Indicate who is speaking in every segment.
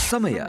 Speaker 1: ಸಮಯ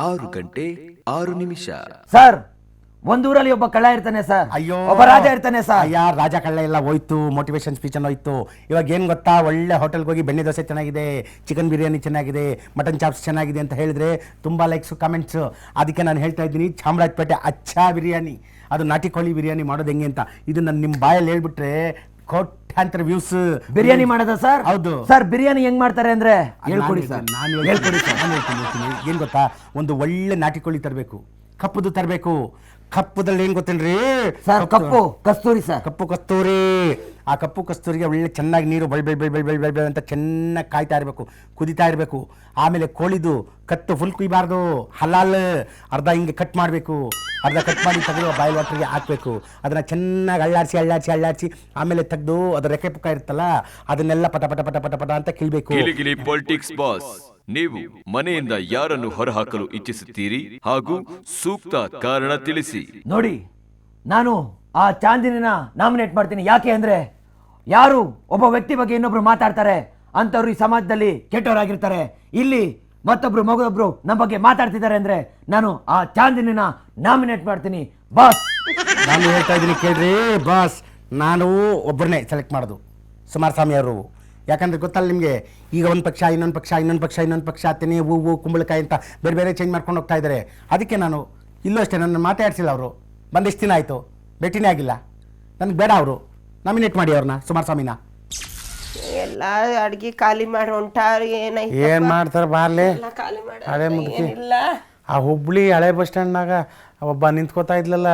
Speaker 1: 6:06.
Speaker 2: ಸರ್, ಒಂದೂರಲ್ಲಿ ಒಬ್ಬ ಕಳ್ಳ ಇರ್ತಾನೆ ಸರ್.
Speaker 3: ಅಯ್ಯೋ,
Speaker 2: ಒಬ್ಬ ರಾಜ ಇರ್ತಾನೆ ಸರ್.
Speaker 3: ಅಯ್ಯ, ರಾಜ ಕಳ್ಳ ಎಲ್ಲ ಹೋಯ್ತು, ಮೋಟಿವೇಶನ್ ಸ್ಪೀಚ್ ಅನ್ನು ಹೋಯ್ತು. ಇವಾಗ ಏನ್ ಗೊತ್ತಾ, ಒಳ್ಳೆ ಹೋಟೆಲ್ಗೆ ಹೋಗಿ ಬೆಣ್ಣೆ ದೋಸೆ ಚೆನ್ನಾಗಿದೆ, ಚಿಕನ್ ಬಿರಿಯಾನಿ ಚೆನ್ನಾಗಿದೆ, ಮಟನ್ ಚಾಪ್ಸ್ ಚೆನ್ನಾಗಿದೆ ಅಂತ ಹೇಳಿದ್ರೆ ತುಂಬಾ ಲೈಕ್ಸ್ ಕಮೆಂಟ್ಸ್. ಅದಕ್ಕೆ ನಾನು ಹೇಳ್ತಾ ಇದ್ದೀನಿ, ಚಾಮರಾಜಪೇಟೆ ಅಚ್ಚಾ ಬಿರಿಯಾನಿ, ಅದು ನಾಟಿ ಕೋಳಿ ಬಿರಿಯಾನಿ ಮಾಡೋದು ಹೆಂಗೆ ಅಂತ ಇದು ನಾನು ನಿಮ್ಮ ಬಾಯಲ್ಲಿ ಹೇಳ್ಬಿಟ್ರೆ ಕೋಟ್ಯಾಂತರ ವ್ಯೂಸ್.
Speaker 2: ಬಿರಿಯಾನಿ ಮಾಡೋದ ಸರ್?
Speaker 3: ಹೌದು
Speaker 2: ಸರ್. ಬಿರಿಯಾನಿ ಹೆಂಗ್ ಮಾಡ್ತಾರೆ ಅಂದ್ರೆ ಹೇಳ್ಕೊಡಿ ಸರ್.
Speaker 3: ನಾನು ಹೇಳ್ತೀನಿ. ಏನ್ ಗೊತ್ತಾ, ಒಂದು ಒಳ್ಳೆ ನಾಟಿ ಕೋಳಿ ತರಬೇಕು, ಕಪ್ಪುದು ತರಬೇಕು. ಕಪ್ಪುದಲ್ಲಿ ಏನ್ ಗೊತ್ತೇನ್ರಿ
Speaker 2: ಸರ್? ಕಪ್ಪು ಕಸ್ತೂರಿ ಸರ್.
Speaker 3: ಕಪ್ಪು ಕಸ್ತೂರಿ. ಆ ಕಪ್ಪು ಕಸ್ತೂರಿಗೆ ಒಳ್ಳೆ ಚೆನ್ನಾಗಿ ನೀರು ಬಳ್ ಅಂತ ಚೆನ್ನಾಗಿ ಕಾಯ್ತಾ ಇರಬೇಕು, ಕುದಿತಾ ಇರಬೇಕು. ಆಮೇಲೆ ಕೋಳಿದು ಕತ್ತು ಫುಲ್ ಕುಯ್ಬಾರ್ದು, ಹಲಾಲ್ ಅರ್ಧ ಹಿಂಗೆ ಕಟ್ ಮಾಡಬೇಕು, ಅರ್ಧ ಕಟ್ ಮಾಡಿ ತೆಗೆದು ಬಾಯ್ಲ್ ವಾಟರ್ಗೆ ಹಾಕಬೇಕು. ಅದನ್ನ ಚೆನ್ನಾಗಿ ಅಳ್ಳಾಡ್ಸಿ ಆಮೇಲೆ ತೆಗೆದು ಅದರ ರೆಕ್ಕೆ ಪುಕ್ಕ ಇರುತ್ತಲ್ಲ, ಅದನ್ನೆಲ್ಲ ಪಟ ಪಟ ಪಟ ಪಟ ಪಟ ಅಂತ ಕಿಳ್ಬೇಕು.
Speaker 1: ಪೊಲಿಟಿಕ್ಸ್ ಬಾಸ್, ನೀವು ಮನೆಯಿಂದ ಯಾರನ್ನು ಹೊರಹಾಕಲು ಇಚ್ಛಿಸುತ್ತೀರಿ ಹಾಗೂ ಸೂಕ್ತ ಕಾರಣ ತಿಳಿಸಿ.
Speaker 2: ನೋಡಿ, ನಾನು ಆ ಚಾಂದಿನಿನ ನಾಮಿನೇಟ್ ಮಾಡ್ತೀನಿ. ಯಾಕೆ ಅಂದ್ರೆ, ಯಾರು ಒಬ್ಬ ವ್ಯಕ್ತಿ ಬಗ್ಗೆ ಇನ್ನೊಬ್ರು ಮಾತಾಡ್ತಾರೆ ಅಂತವ್ರು ಈ ಸಮಾಜದಲ್ಲಿ ಕೆಟ್ಟವರಾಗಿರ್ತಾರೆ. ಇಲ್ಲಿ ಮತ್ತೊಬ್ರು ಮಗದೊಬ್ರು ನಮ್ಮ ಬಗ್ಗೆ ಮಾತಾಡ್ತಿದ್ದಾರೆ ಅಂದ್ರೆ ನಾನು ಆ ಚಾಂದಿನಿನ ನಾಮಿನೇಟ್ ಮಾಡ್ತೀನಿ ಬಾಸ್.
Speaker 3: ನಾನು ಹೇಳ್ತಾ ಇದ್ದೀನಿ ಕೇಳ್ರಿ ಬಾಸ್, ನಾನು ಒಬ್ಬರನ್ನೇ ಸೆಲೆಕ್ಟ್ ಮಾಡೋದು, ಕುಮಾರಸ್ವಾಮಿ ಅವರು. ಯಾಕಂದ್ರೆ ಗೊತ್ತಲ್ಲ ನಿಮಗೆ, ಈಗ ಒಂದು ಪಕ್ಷ ಇನ್ನೊಂದು ಪಕ್ಷ ತೆನೆ ಹೂವು ಕುಂಬಳಕಾಯಿ ಅಂತ ಬೇರೆ ಬೇರೆ ಚೇಂಜ್ ಮಾಡ್ಕೊಂಡು ಹೋಗ್ತಾ ಇದ್ದಾರೆ. ಅದಕ್ಕೆ ನಾನು ಇಲ್ಲೂ ಅಷ್ಟೇ, ನನ್ನ ಮಾತಾಡ್ಸಿಲ್ಲ ಅವರು. ಬಂದಿಷ್ಟು ದಿನ ಆಯಿತು, ಭೇಟಿನೇ ಆಗಿಲ್ಲ. ನನಗೆ ಬೇಡ, ಅವರು ನಾಮಿನೇಟ್ ಮಾಡಿ ಅವ್ರನ್ನ, ಕುಮಾರಸ್ವಾಮಿನ.
Speaker 4: ಎಲ್ಲ ಅಡ್ಗೆ ಖಾಲಿ ಮಾಡಿ ಹೊಂಟಾರ.
Speaker 3: ಏನು ಮಾಡ್ತಾರೆ ಬಾರ್ಲೆ ಹಳೆ ಮುದುಕಿ. ಆ ಹುಬ್ಳಿ ಹಳೆ ಬಸ್ ಸ್ಟ್ಯಾಂಡ್ನಾಗ ಒಬ್ಬ ನಿಂತ್ಕೋತಾ ಇದ್ಲಲ್ಲ,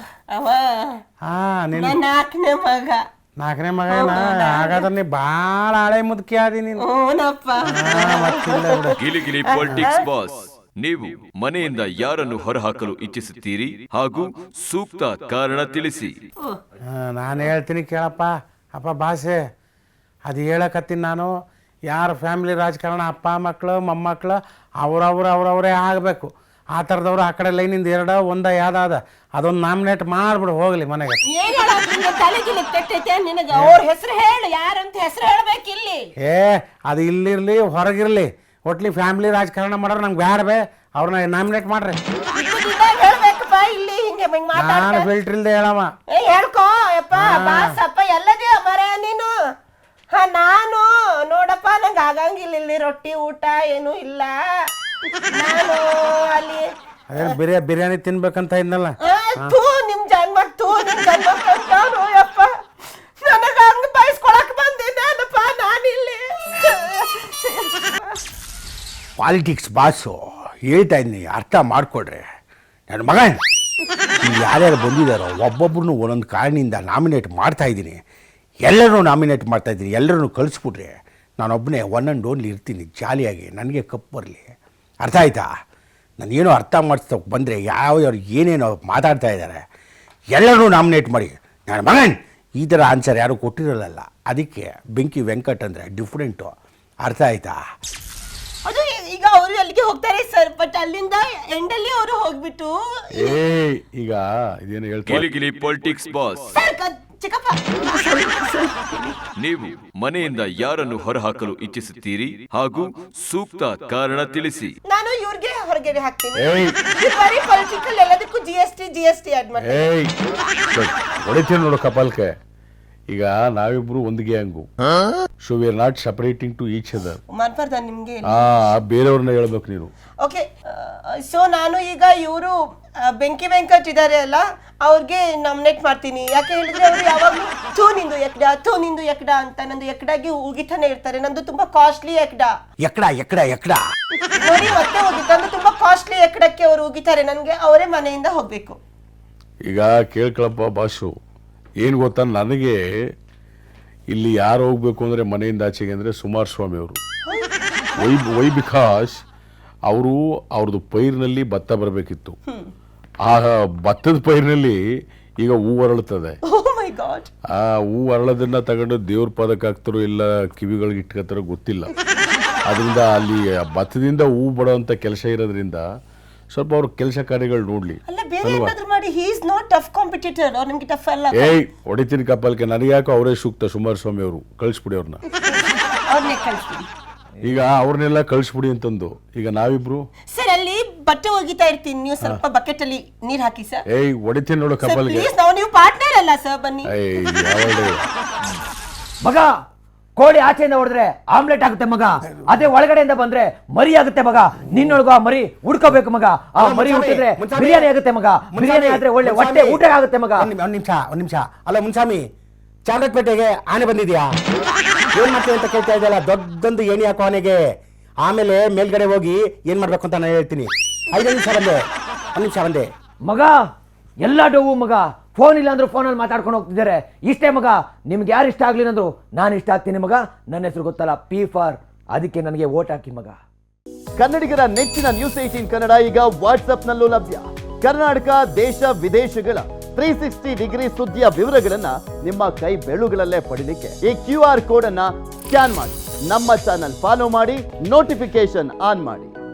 Speaker 4: ನಾಲ್ಕನೇ ಮಗ.
Speaker 3: ನಾಲ್ಕನೇ ಮಗ ಹಾಗಾದ್ರೆ ನೀ ಭಾಳ ಹಳೆ ಮುದುಕಿ ಆದಿ ನೀನು.
Speaker 1: ಗಿಲಿಗಿಲಿ ಪೊಲಿಟಿಕ್ಸ್ ಬಾಸ್, ನೀವು ಮನೆಯಿಂದ ಯಾರನ್ನು ಹೊರಹಾಕಲು ಇಚ್ಛಿಸುತ್ತೀರಿ ಹಾಗೂ ಸೂಕ್ತ ಕಾರಣ ತಿಳಿಸಿ.
Speaker 3: ನಾನು ಹೇಳ್ತೀನಿ ಕೇಳಪ್ಪ. ಅಪ್ಪ ಭಾಷೆ ಅದು ಹೇಳಕತ್ತೀನಿ ನಾನು. ಯಾರ ಫ್ಯಾಮಿಲಿ ರಾಜಕಾರಣ, ಅಪ್ಪ ಮಕ್ಕಳು ಮೊಮ್ಮಕ್ಕಳು ಅವ್ರವರೇ ಆಗಬೇಕು. ಆ ಥರದವ್ರು ಆ ಕಡೆ ಲೈನಿಂದ ಎರಡ ಒಂದ ಯಾವ್ದಾದ ಅದೊಂದು ನಾಮಿನೇಟ್ ಮಾಡ್ಬಿಡು, ಹೋಗ್ಲಿ ಮನೆಗೆ.
Speaker 4: ಅವ್ರ ಹೆಸರು ಹೇಳು, ಯಾರಂತ ಹೆಸರು ಹೇಳ್ಬೇಕಿಲ್ಲಿ.
Speaker 3: ಅದು ಇಲ್ಲಿರ್ಲಿ ಹೊರಗಿರ್ಲಿ, ಒಟ್ಲಿ ಫ್ಯಾಮಿಲಿ ರಾಜಕಾರಣ ಮಾಡೋರು ನಮ್ಗೆ ಬ್ಯಾಡ್ಬೇ, ಅವ್ರನ್ನ ನಾಮಿನೇಟ್ ಮಾಡ್ರಿ. ನಾನು ಫಿಲ್ಟರ್ ಇಲ್ದೆ ಹೇಳಮ್ಮ.
Speaker 4: ಹೇಳ್ಕೋ ಯಪ್ಪ ಬಾಸಪ್ಪ, ಎಲ್ಲದೇ ಮರ ನೀನು. ನಾನು ನೋಡಪ್ಪ, ನಂಗೆ ಆಗಂಗಿಲ್ಲ ಇಲ್ಲಿ ರೊಟ್ಟಿ ಊಟ ಏನೂ ಇಲ್ಲ. ನಾನು ಅಲ್ಲಿ
Speaker 3: ಅದೇ ಬಿರಿಯಾನಿ ತಿನ್ಬೇಕಂತ ಇದ್ನಲ್ಲ,
Speaker 4: ನಿಮ್ ಜನ್ಮ ಯಪ್ಪ, ನನಗ ಹಂಗ ಬಯಸ್ಕೊಳಕ್ ಬಂದಿದ್ದಪ್ಪ ನಾನಿಲ್ಲಿ.
Speaker 3: ಪಾಲಿಟಿಕ್ಸ್ ಬಾಸು ಹೇಳ್ತಾ ಇದ್ದೀನಿ, ಅರ್ಥ ಮಾಡ್ಕೊಡ್ರಿ. ನನ್ನ ಮಗ ಯಾರ್ಯಾರು ಬಂದಿದ್ದಾರೋ ಒಬ್ಬೊಬ್ರು ಒಂದೊಂದು ಕಾರಣದಿಂದ ನಾಮಿನೇಟ್ ಮಾಡ್ತಾ ಇದ್ದೀನಿ. ಎಲ್ಲರೂ ನಾಮಿನೇಟ್ ಮಾಡ್ತಾ ಇದ್ದೀನಿ, ಎಲ್ಲರೂ ಕಳಿಸ್ಬಿಟ್ರೆ ನಾನೊಬ್ಬನೇ ಒನ್ ಆ್ಯಂಡ್ ಓನ್ಲಿ ಇರ್ತೀನಿ ಜಾಲಿಯಾಗಿ, ನನಗೆ ಕಪ್ ಬರಲಿ. ಅರ್ಥ ಆಯ್ತಾ? ನಾನೇನೋ ಅರ್ಥ ಮಾಡಿಸ್ತಕ್ಕೆ ಬಂದರೆ ಯಾವ್ಯಾವ್ರು ಏನೇನೋ ಮಾತಾಡ್ತಾ ಇದ್ದಾರೆ, ಎಲ್ಲರೂ ನಾಮಿನೇಟ್ ಮಾಡಿ. ನನ್ನ ಮಗನ್ ಈ ಥರ ಆನ್ಸರ್ ಯಾರು ಕೊಟ್ಟಿರಲ್ಲ, ಅದಕ್ಕೆ ಬೆಂಕಿ ವೆಂಕಟ್ ಅಂದರೆ ಡಿಫ್ರೆಂಟು. ಅರ್ಥ ಆಯ್ತಾ?
Speaker 4: ಅದು ಈಗ ಅವರು ಅಲ್ಲಿಗೆ ಹೋಗ್ತಾರೆ ಸರ್, ಬಟ್ ಅಲ್ಲಿಂದ ಎಂಡಲ್ಲಿ ಅವರು ಹೋಗ್ಬಿಟ್ಟು
Speaker 3: ಈಗ ಇದೇನು
Speaker 1: ಗಿಲಿಗಿಲಿ ಪೊಲಿಟಿಕ್ಸ್ ಬಾಸ್,
Speaker 4: ಚಿಕ್ಕಪ್ಪ,
Speaker 1: ನೀವು ಮನೆಯಿಂದ ಯಾರನ್ನು ಹೊರಹಾಕಲು ಇಚ್ಛಿಸುತ್ತೀರಿ ಹಾಗೂ ಸೂಕ್ತ ಕಾರಣ ತಿಳಿಸಿ.
Speaker 4: ನಾನು ಇವ್ರಿಗೆ ಹೊರಗಡೆ ಹಾಕ್ತೀನಿ. ಬರೀ ಪೊಲಿಟಿಕಲ್ ಎಲ್ಲದಕ್ಕೂ ಜಿಎಸ್ಟಿ ಆಡ್
Speaker 5: ಹೊಡಿತೀನಿ ನೋಡು ಕಪಾಲ್ಕೆ. ಈಗ ನಾವಿಬ್ರು ಒಂದು gang, so we are not separating to each other.
Speaker 4: ಮಾನ್ಪರ್ದ ನಿಮ್ಗೆ
Speaker 5: ಬೇರೆಯವ್ರನ್ನ ಹೇಳ್ಬೇಕು ನೀನು.
Speaker 4: ಓಕೆ, ಸೊ ನಾನು ಈಗ ಇವರು ಬೆಂಕಿ ವೆಂಕಟ್ ಇದ್ದಾರೆ ಅಲ್ಲ, ಅವ್ರಿಗೆ ನಾಮಿನೇಟ್ ಮಾಡ್ತೀನಿ. ಯಾಕೆ ಹೇಳಿದ್ರೆ ಅವರು ಯಾವಾಗಲೂ ಥೂ ನಿಂದು ಎಕ್ಡ ಅಂತ ನಂದು ಎಕ್ಡಾಗಿ ಉಗಿತಾನೆ ಇರ್ತಾರೆ. ನಂದು ತುಂಬಾ ಕಾಸ್ಟ್ಲಿ ಎಕ್ಡ ನೋಡಿ, ಮತ್ತೆ ಹೋಗಿತ್ತು ತುಂಬಾ ಕಾಸ್ಟ್ಲಿ ಎಕ್ಡಕ್ಕೆ ಅವರು ಉಗಿತಾರೆ. ನನ್ಗೆ ಅವರೇ ಮನೆಯಿಂದ ಹೋಗ್ಬೇಕು.
Speaker 5: ಈಗ ಕೇಳ್ಕೊಳಪ್ಪ ಬಾಸು, ಏನು ಗೊತ್ತಾ, ನನಗೆ ಇಲ್ಲಿ ಯಾರು ಹೋಗ್ಬೇಕು ಅಂದರೆ ಮನೆಯಿಂದ ಆಚೆಗೆ ಅಂದರೆ ಕುಮಾರಸ್ವಾಮಿ ಅವರು. ವೈ ಬಿಕಾಸ್ ಅವ್ರದ್ದು ಪೈರಿನಲ್ಲಿ ಭತ್ತ ಬರಬೇಕಿತ್ತು. ಆ ಭತ್ತದ ಪೈರಿನಲ್ಲಿ ಈಗ ಹೂ ಅರಳುತ್ತದೆ. ಆ ಹೂ ಅರಳೋದನ್ನ ತಗೊಂಡು ದೇವ್ರ ಪದಕ್ಕೆ ಹಾಕ್ತಾರೋ ಇಲ್ಲ ಕಿವಿಗಳಿಗೆ ಇಟ್ಕೋತಾರೋ ಗೊತ್ತಿಲ್ಲ. ಅದರಿಂದ ಅಲ್ಲಿ ಭತ್ತದಿಂದ ಹೂ ಬಡೋಂಥ ಕೆಲಸ ಇರೋದ್ರಿಂದ ಸ್ವಲ್ಪ ಅವ್ರ ಕೆಲಸ ಕಾರ್ಯಗಳು ನೋಡ್ಲಿ. ಹೊಡಿತೀನಿ ಕಪ್ಪಲ್ಕೆ, ನನಗೆ ಯಾಕೋ ಅವರೇ ಸೂಕ್ತ. ಕುಮಾರಸ್ವಾಮಿ ಅವರು ಕಳಿಸ್ಬಿಡಿ ಅವ್ರನ್ನ.
Speaker 4: ಅವ್ರನ್ನೇ ಕಳಿಸ್ಬಿಡಿ.
Speaker 5: ಈಗ ಅವ್ರನ್ನೆಲ್ಲ ಕಳಿಸ್ಬಿಡಿ ಅಂತಂದು ಈಗ ನಾವಿಬ್ರು
Speaker 4: ಸರ್ ಅಲ್ಲಿ ಬಟ್ಟೆ ಒಗಿತಾ ಇರ್ತೀನಿ, ನೀವು ಸ್ವಲ್ಪ ಬಕೆಟ್ ಅಲ್ಲಿ ನೀರ್ ಹಾಕಿ ಸರ್.
Speaker 5: ಏಯ್ ಹೊಡಿತೀನಿ ನೋಡು
Speaker 4: ಸರ್
Speaker 5: ಕಪಲ್ಗೆ.
Speaker 4: ಪ್ಲೀಸ್, ನೀವು ಪಾರ್ಟ್ನರ್ ಅಲ್ಲ ಸರ್, ಬನ್ನಿ.
Speaker 5: ಏಯ್ ಯಾವಳೆ
Speaker 2: ಮಗ ಕೋಳಿ ಆಚೆಯಿಂದ ಹೊಡೆದ್ರೆ ಆಮ್ಲೆಟ್ ಆಗುತ್ತೆ ಮಗ, ಅದೇ ಒಳಗಡೆಯಿಂದ ಬಂದ್ರೆ ಮರಿ ಆಗುತ್ತೆ ಮಗ. ನಿನ್ನೊಳಗ ಆ ಮರಿ ಹುಡ್ಕೋಬೇಕು ಮಗ. ಆ ಮರಿ ಹುಟ್ಟಿದ್ರೆ ಬಿರಿಯಾನಿ ಆಗುತ್ತೆ ಮಗ. ಬಿರಿಯಾನಿ ಆದ್ರೆ ಒಳ್ಳೆ ಹೊಟ್ಟೆ ಊಟ ಆಗುತ್ತೆ ಮಗ.
Speaker 3: ಒಂದ್ ನಿಮಿಷ ಅಲ್ಲ ಮುನ್ಸಾಮಿ, ಚಾಮರಾಜಪೇಟೆಗೆ ಆನೆ ಬಂದಿದ್ಯಾ? ಏನ್ ಮಾಡ್ತೀವಿ ಅಂತ ಕೇಳ್ತಾ ಇದೆಯಲ್ಲ, ದೊಡ್ಡದೊಂದು ಏಣಿ ಹಾಕೋ ಆನೆಗೆ. ಆಮೇಲೆ ಮೇಲ್ಗಡೆ ಹೋಗಿ ಏನ್ ಮಾಡ್ಬೇಕು ಅಂತ ನಾನು ಹೇಳ್ತೀನಿ. 5 ನಿಮಿಷ ಬಂದೆ, 1 ನಿಮಿಷ ಬಂದೆ
Speaker 2: ಮಗ. ಎಲ್ಲ ಡೋವು ಮಗ, ಫೋನ್ ಇಲ್ಲ ಅಂದ್ರೂ ಫೋನಲ್ಲಿ ಮಾತಾಡ್ಕೊಂಡು ಹೋಗ್ತಿದ್ದಾರೆ. ಇಷ್ಟೇ ಮಗ, ನಿಮ್ಗೆ ಯಾರು ಇಷ್ಟ ಆಗ್ಲಿಲ್ಲ ಅಂದ್ರು ನಾನು ಇಷ್ಟ ಆಗ್ತೀನಿ ಮಗ. ನನ್ನ ಹೆಸರು ಗೊತ್ತಲ್ಲ, P ಫಾರ್, ಅದಕ್ಕೆ ನನಗೆ ವೋಟ್ ಹಾಕಿ ಮಗ.
Speaker 6: ಕನ್ನಡಿಗರ ನೆಚ್ಚಿನ ನ್ಯೂಸ್ 18 ಕನ್ನಡ ಈಗ ವಾಟ್ಸ್ಆಪ್ನಲ್ಲೂ ಲಭ್ಯ. ಕರ್ನಾಟಕ, ದೇಶ ವಿದೇಶಗಳ 360 ಡಿಗ್ರಿ ಸುದ್ದಿಯ ವಿವರಗಳನ್ನ ನಿಮ್ಮ ಕೈ ಬೆರಳುಗಳಲ್ಲೇ ಪಡಿಲಿಕ್ಕೆ ಈ QR ಕೋಡ್ ಅನ್ನ ಸ್ಕ್ಯಾನ್ ಮಾಡಿ, ನಮ್ಮ ಚಾನಲ್ ಫಾಲೋ ಮಾಡಿ, ನೋಟಿಫಿಕೇಶನ್ ಆನ್ ಮಾಡಿ.